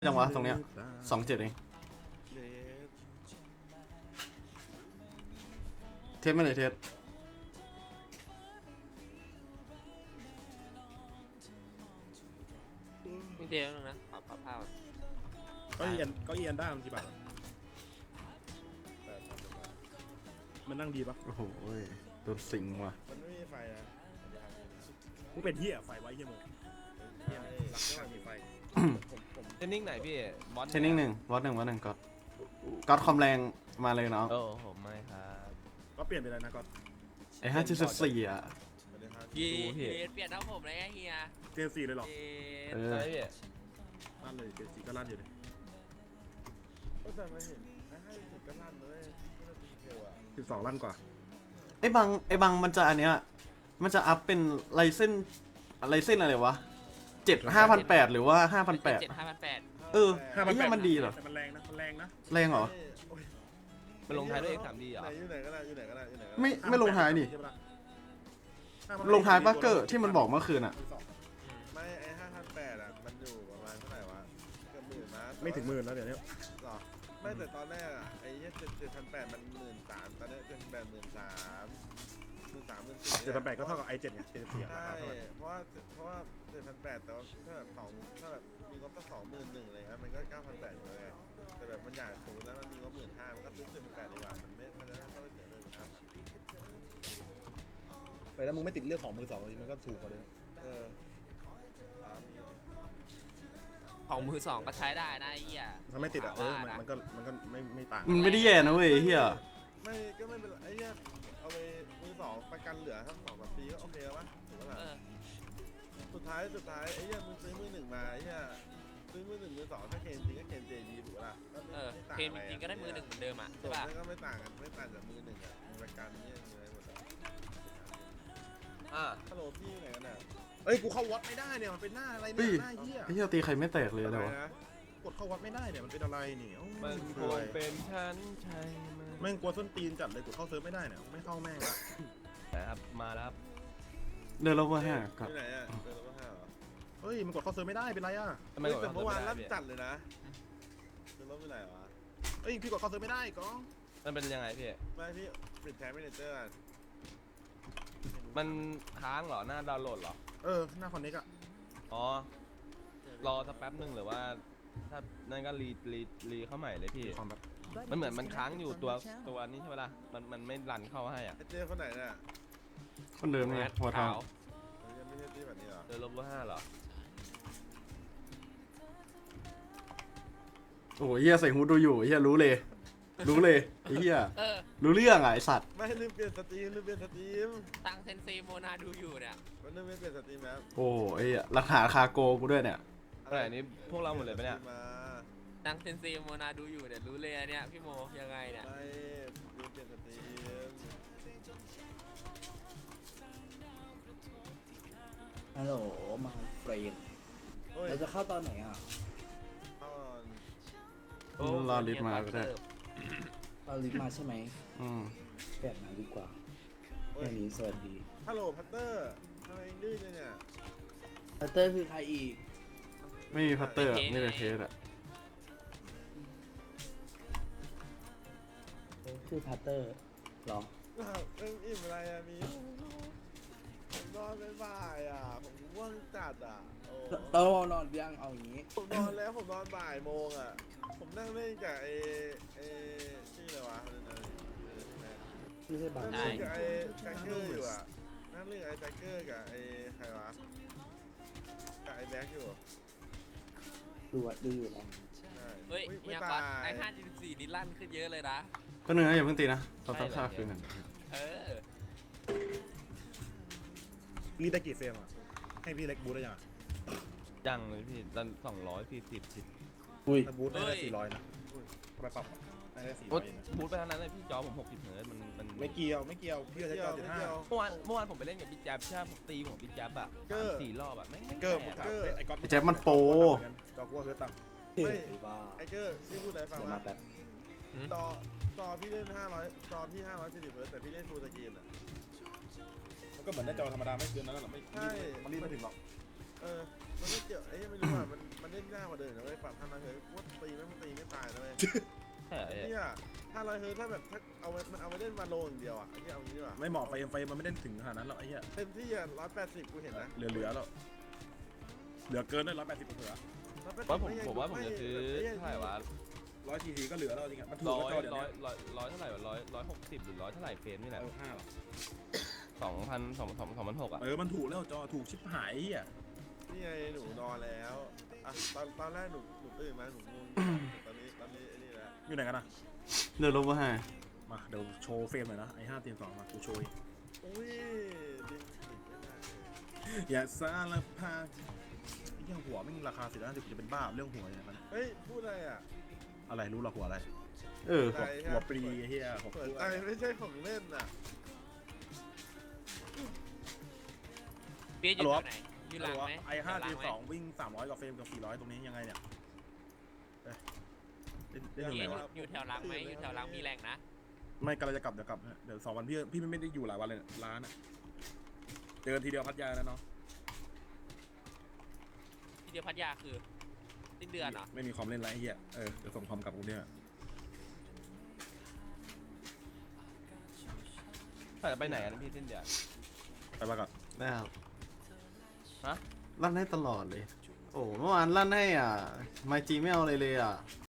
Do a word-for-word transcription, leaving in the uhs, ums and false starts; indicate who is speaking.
Speaker 1: จังวะตรงเนี้ยสองเจ็ดเองเทสไม่เลยเทส
Speaker 2: มีเดียวนึงนะปรับปรับภาพ
Speaker 3: ก็เอียนก็เอียนได้มันกี่บาทมันนั่งดีปะ
Speaker 1: โอ้โหโดนสิงว่ะ
Speaker 4: มันไม่มีไฟนะ
Speaker 3: กูเป็นเหี้ยไฟไว้เหี้ยโมเหี้ยรักไม่มีไฟ
Speaker 2: เทนนิ่งไหนพี่บอส
Speaker 1: เทนนิ่งหนึ่งวอตหนึ่งวอตหนึ่งก็ก็คอมแรงมาเลยเนาะ
Speaker 2: โอ้ผมไม่ครับ
Speaker 3: ก็เปลี่ยนไปเลยนะก็
Speaker 1: ไอ้ห้าจุดสี่อ่ะ
Speaker 2: เฮียเปลี่ยนเอาผมเลยเฮีย
Speaker 3: เจนซีเลยหรอ
Speaker 1: เออ
Speaker 3: ลั่นเลยเจนซีก็ลั่นอยู่เลย
Speaker 4: ก็แต่ไม่เห็นให้สุดก็ลั่นเลย
Speaker 3: สิบสองลั่นกว่า
Speaker 1: ไอ้บางไอ้บางมันจะอันเนี้ยมันจะอัพเป็นไลเส้นไลเส้นอะไรวะเจ็ดห้าพันแปดหรือว่าห้าพันแปด
Speaker 2: เจ็ดห้าพันแปด
Speaker 1: เออไอ้เหี้ยมันดีเหรอ
Speaker 3: มันแรงนะมันแรงนะ
Speaker 1: แรงเหรอ
Speaker 2: มันลงท้ายด้วย เอ็กซ์ สาม ดี เหรอ
Speaker 4: อยู่ไหนก็ได้อยู่ไหนก็ได้อยู่ไหน
Speaker 1: ไม่ไม่ลงท้ายนี่ลงท้ายบัคเกอร์ที่มันบอกเมื่อคืนอ่ะ
Speaker 4: ไม่ไอ้ห้าพันแปดอ่ะมันอยู่ประมาณเท่าไหร่วะเกือบหมื่นนะ
Speaker 3: ไม่ถึงหมื่นแล้วเดี๋ยวนี้
Speaker 4: หรอไม่แต่ตอนแรกอ่ะไอ้เจ็ดเจ็ดพันแปดมันหมื่นสามตอนนี้เจ็ดพันแปดหมื่นสามหมื่นสามหมื่นสี่
Speaker 3: เจ็ดพันแปดก็เท่ากับไอเจ็ดไงเจ็ดสี่
Speaker 4: ใช่เพราะว่าเพราะว่าเจ็ดพันแปดแต่ว่าถ้าแบบสองถ้าแบบมีงบตั้งสองหมื่นหนึ่งเลยครับมันก็เก้าพันแปดอยู่เลยแต่แบบมันอยากสูงแล้วมันมีงบหมื่นห้ามันก็ซื้อเจ็ดพันแปดดีกว่ามันไม่มันจะได้เข้าไปเสียเลยครับ
Speaker 3: ไปแล้วมึงไม่ติดเรื่องของมือสองเลยมันก็ถูกกว่าเลย
Speaker 4: เออ
Speaker 2: ของมือสองก็ใช้ได้นะไอ้เหี้ย
Speaker 3: ถ้าไม่ติดอ่ะเออมันก็มันก็ไม่ไม่ต่าง
Speaker 1: มันไม่ได้แย่นะเว้ยเฮีย
Speaker 4: ไม่ก็ไม่เป็นไอ้เนี้ยเอาไปมือสองประกันเหลือทั้งสองปีก็โอเคแล้วปะถูกปะล่ะสุดท้ายสุดท้ายไอ้เนี้ยมึงซื้อมือหนึ่งมาไอ้เนี้ยซื้อมือหนึ่งมือสองถ้าเคนจริงก็เคนเจดีถูกปะล่ะ
Speaker 2: เออเคนจริงก็ได้มือหนึ่งเหมือนเดิมอ่ะใช่ป่ะ
Speaker 4: ก็ไม่ต่างกันไม่ต่างจากมือหนึ่งอ่ะมีประกันเนี่ยมีอะไรหมด
Speaker 2: อ่า
Speaker 4: ฮัลโหลพี่ไหนกันอ่ะ
Speaker 3: เอ้ยกูเข้าวัดไม่ได้เนี่ยมันเป็นหน้าอะไรเนี่ยหน้าเหี้ย
Speaker 1: ไอ้เหี้ยตีใครไม่แตกเลยเลยวะ
Speaker 3: กดเข้าวัดไม่ได้เนี่ยมันเป็นอะไรนี่
Speaker 2: มันคงเป็นชั้นใช่
Speaker 3: แม่งกลัวส้นตีนจัดเลยกดเข้าเซิร์ฟไม่ได้เนี่ยไม่เข้าแม่งละ
Speaker 2: ครับมาแล้วครับ
Speaker 1: เดินลงมาห้า
Speaker 4: ครับที่ไหนอ่ะเดินลงมาห้าเหรอ
Speaker 3: เฮ้ยมันกดเข้าเซิร์ฟไม่ได้เป็นไรอ่ะ
Speaker 4: ทำไมแต่เมื่อวานลั่นจัดเลยนะเดินลงไม่ไหนวะ
Speaker 3: เฮ้ยพี่กดเข้าเซิร์ฟไม่ได้ก้อง
Speaker 2: มันเป็นยังไงพี่
Speaker 4: ไม่พี่ปิดแท็บไม่เนเจอร์
Speaker 2: มันค้างเหรอหน้าดาวน์โหลดเหรอ
Speaker 3: เออหน้าคอนเน็กอะ
Speaker 2: อ๋อรอสักแป๊บนึงหรือว่าถ้านั่นก็รีรีรีเข้าใหม่เลยพี่มันเหมือนมันค้างอยู่ตัวตัวนี้ใช่ไหมล่ะมันมันไม่รันเข้าให้อ่ะ
Speaker 4: เจอคนไหนเนี่ย
Speaker 1: คนเดิมไงหัวทอง
Speaker 4: ไม่ใช่ที่แบบนี้หรอ
Speaker 2: เจอลบห้าเหรอ
Speaker 1: โอ้ยเฮียใส่ฮูดดูอยู่เฮียรู้เลยรู้เลยไอ้เฮียรู้เรื่องอ่ะไอสัตว์
Speaker 4: ไม่ลืมเปลี่ยนสตรีมลืมเปลี่ยนสตรีม
Speaker 2: ตั้งเซนซีโมนาดูอยู่เนี่ย
Speaker 4: มันลืมเปลี่ยนสตรีมแล้ว
Speaker 1: โอ้ยหลักฐานคาโกกูด้วยเนี่ย
Speaker 2: อะไรนี้พวกเราหมดเลยปะเนี่ยตั้งเซนซีโมนาดูอยู่เนี่ยรู้เลยเนี่ยพี่โมยังไงเนี่ย
Speaker 4: ไม่ลืมเปลี่ยนสตรีม
Speaker 5: ฮัลโหลมาเฟรนเราจะเข้าตอนไหนอ่ะ
Speaker 1: รอลิฟต์มาก็ได้
Speaker 5: รอลิฟต์มาใช่ไหม
Speaker 1: อืม
Speaker 5: แปดมาดีกว่าแค่นี้สวัสดี
Speaker 4: ฮัลโหลพัตเตอร์ทำไมดื้อเนี่ย
Speaker 5: พัตเตอร์คือใครอีก
Speaker 1: ไม่มีพัตเตอร์ไม่เป็นเทสอะ
Speaker 5: คือพัตเตอร์หรอ
Speaker 4: เอ็มอิ่มอะไรอะมีผมนอนไม่บ่ายอะผมว่างจัดอะ
Speaker 5: เออนอนยังเอาอย่างนี้
Speaker 4: ผมนอนแล้วผมนอนบ่ายโมงอะผมนั่งเล่นกับไอ้ไอ้ชื่ออะไรวะ
Speaker 5: ไม่ใช่บาง
Speaker 4: นั่งเล่นกับไอ้แจ็คเกอร์อยู่อะนั่งเล่นกับไอ้แจ็คเกอร์กับไอ้ใครวะกับไอ้แบ็คอยู่
Speaker 5: ดูอ่ะดูอยู่แล้ว
Speaker 2: เฮ้ยเนี่ยก่อนไอ้ห้าจุดสี่นี่ลั่นขึ้นเยอะเลยนะ
Speaker 1: ก็หนึ่งนะอย่าเพิ่งตีนะต้องตั้งค่าคืนหนึ่ง
Speaker 2: เออ
Speaker 3: รีได้กี่เฟรมอ่ะให้พี่เล็กบูทได้ยัง
Speaker 2: ยังเลยพี่ตอนสองร้อยสี่สิบสิ
Speaker 5: อุ้ย
Speaker 3: บูทได้สี่ร้อยนะทำไมปรับได้สี่ร้อย
Speaker 2: บูทไปเท่านั้นเลยพี่จอผมหกสิบเฮิร์ตมันมัน
Speaker 3: ไม่เกี่ยวไม่เกี่ยวพี่จะเก้าจุดห้า
Speaker 2: เมื่อวานเมื่อวานผมไปเล่นกับพี่แจ๊บใช่ผมตีของพี่แจ๊บอ่ะสี่รอบอ่ะไม่ไม่
Speaker 3: เกิร์ไอ้ก๊อต
Speaker 1: แจ๊บมันโป
Speaker 3: จอกัวเฮิร์ตต่
Speaker 4: ำไม่ไอ้เกอร์พี่พูดอะไรฟังว่าจอจอพี่เล่นห้าร้อยจอพี่ห้าร้อยสี่สิบเฮิร์ตแต่พี่เล่นฟูลสกรีนอ่ะ
Speaker 3: ก็เหมือนในจอธรรมดาไม่เกินนั้นหรอกไม่ใช่มันรีบไม่ถึงหรอก
Speaker 4: เออมันไม่เกี่ยวไอ้ยังไม่รู้ว่ามันมันเล่นยากกว่าเดิมนะเว้ยปรับห้าร้อยเฮิร์ตว่าตีไม่ตีไม่ตายนะเว้ย
Speaker 2: ใช่เหรอ
Speaker 4: ไอ้
Speaker 2: พี่
Speaker 4: เนี่ยห้าร้อยเฮิร์ตถ้าแบบถ้าเอาไว้มันเอาไว้เล่นมาโลอย่างเดียวอ่ะไอ้ที่เอางี้ดีกว่า
Speaker 3: ไม่เหมาะไฟไฟมันไม่ได้ถึงขนาดนั้นหรอกไอ้เหี้ย
Speaker 4: เต็มที่อ่ะร้อยแปดสิบกูเห็นนะ
Speaker 3: เหลือเหลือแล้วเหลือเกินด้วยร้อยแปดสิบเหลือ
Speaker 2: ว่าผมผมว่าผมจะซื้อเท่าไหร่วะ
Speaker 3: ร้อยทีทีก็เหลือแล้วจริงๆมันถูก
Speaker 2: ร้อ
Speaker 3: แล้ว
Speaker 2: ย
Speaker 3: จอเดี๋ยว
Speaker 2: ร้อย
Speaker 3: นี้
Speaker 2: ร้อยร้อยเท่าไหร่วะร้อยร้อยหกสิบหรือร้อยเท่าไหร่เฟรมนี่แหละ
Speaker 3: เออห้าหรอ
Speaker 2: สองพันสองสองสองพันหกอ่ะ
Speaker 3: เออมันถูกแล้วจอถูกชิบหายไอ้เหี้ย
Speaker 4: นี่ไงหนูนอนแล้วอ่ะตอนตอนแรกหนูหนูตื่นมาหนูงงตอนนี้ตอนนี้ไอ้นี่แหละ
Speaker 3: อยู่ไหนกันนะ
Speaker 1: เดี๋ยวลบมาให้
Speaker 3: มาเดี๋ยวโชว์เฟรมหน่อยนะไอ้ห้าเตียงสองมากูโชว์
Speaker 4: อุ้ยดิงติดไม่ได้
Speaker 3: อย่าสารพาไอ้เหี้ยหัวไม่มีราคาสิบห้าสิบจะเป็นบ้าเรื่องหัวอย่างนั้น
Speaker 4: เฮ้ยพูดอะไรอ่ะ
Speaker 3: อะไรรู้ละหัวอะไร
Speaker 1: เออ
Speaker 4: ใจ
Speaker 3: หัวปรีไอ้เหี้ยหัว
Speaker 4: เปิ
Speaker 3: ป
Speaker 4: ด
Speaker 3: รี
Speaker 4: ใจไม่ใช่ของเล่นอ่ะ
Speaker 6: เปียอยู่แถวไหนอยู่หลังไหม
Speaker 3: ไอ้ห้า
Speaker 6: หลั
Speaker 3: ตี
Speaker 6: งไหม
Speaker 3: สองวิ่งสามร้อยกับเฟรมกับสี่ร้อยตรงนี้ยังไงเนี่ยเอ้ยเล่นเล่น
Speaker 6: เปี
Speaker 3: อยู่
Speaker 6: ย
Speaker 3: ไหน
Speaker 6: อยู่
Speaker 3: วะ
Speaker 6: อยู่แถวหลังไหมอยู่แถวหลังมีแรงนะ
Speaker 3: ไม่กำลังจะกลับเดี๋ยวกลับนะเดี๋ยวสองวันพี่พี่ไม่ได้อยู่หลายวันเลยเนี่ยร้านอะเจอทีเดียวพัทยานะเนาะ
Speaker 6: ที่เดียวพัทยาคือสิ้นเดือนเหรอ
Speaker 3: ไม่มีความเล่นไรไอ้เหี้ยเออเดี๋ยวส่งความกลับกูเนี่ย
Speaker 2: ถ้าจะไปไหนกันพี่สิ้นเดือน
Speaker 3: ไปมาก่อน
Speaker 1: ได้ครับ
Speaker 2: ฮะ
Speaker 1: ลั่นให้ตลอดเลย โอ้เมื่อวานลั่นให้อ่ะไมจีไม่เอาเลยเลยอ่ะ